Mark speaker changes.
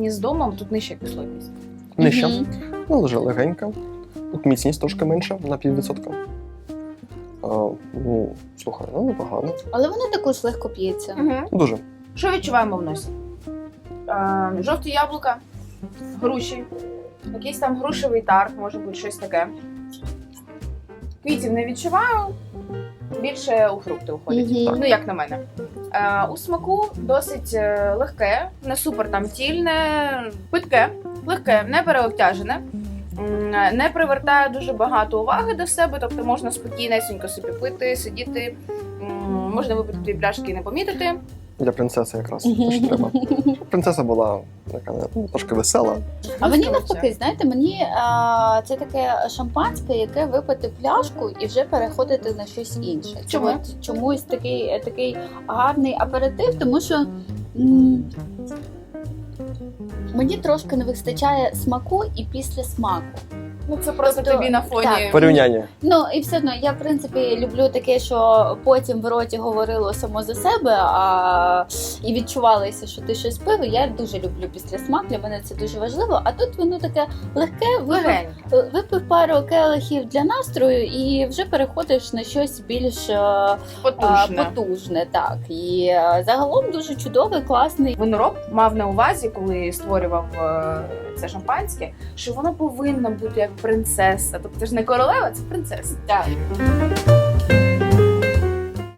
Speaker 1: порівнянні з домом тут нижча кислотність.
Speaker 2: Нижче.
Speaker 3: Мгм.
Speaker 2: Ну, дуже легенька. Тут міцність трошки менша, на 0,5%. Ну, слухай, ну непогано.
Speaker 3: Але воно також легко п'ється.
Speaker 2: Дуже.
Speaker 1: Що відчуваємо в носі? Жовті яблука, груші, якийсь там грушевий тарт, може бути щось таке. Квітів не відчуваю, більше у фрукти уходять.
Speaker 3: Мгм.
Speaker 1: Ну, як на мене. У смаку досить легке, не супер там тільне, питке, легке, не переобтяжене. Не привертає дуже багато уваги до себе, тобто можна спокійнесенько собі пити, сидіти, можна випити 2 пляшки і не помітити.
Speaker 2: Для принцеси якраз те, що треба. Принцеса була така, ну, трошки весела.
Speaker 3: А мені навпаки, знаєте, мені це таке шампанське, яке випити пляшку і вже переходити на щось інше.
Speaker 1: Чому?
Speaker 3: От чомусь такий гарний аперитив, тому що мені трошки не вистачає смаку і післясмаку.
Speaker 1: Ну, це просто
Speaker 3: Тобто,
Speaker 1: тобі на фоні.
Speaker 3: так.
Speaker 2: Порівняння.
Speaker 3: Ну і все одно я в принципі люблю таке, що потім в роті говорило само за себе, і відчувалося, що ти щось пив. Я дуже люблю післясмак, для мене це дуже важливо. А тут воно таке легке,
Speaker 1: Легеньке.
Speaker 3: випив пару келихів для настрою і вже переходиш на щось більш потужне. Так. І загалом дуже чудовий, класний.
Speaker 1: Винороб мав на увазі, коли створював це шампанське, що воно повинно бути як принцеса. Тобто це ж не королева, це принцеса.
Speaker 3: Так.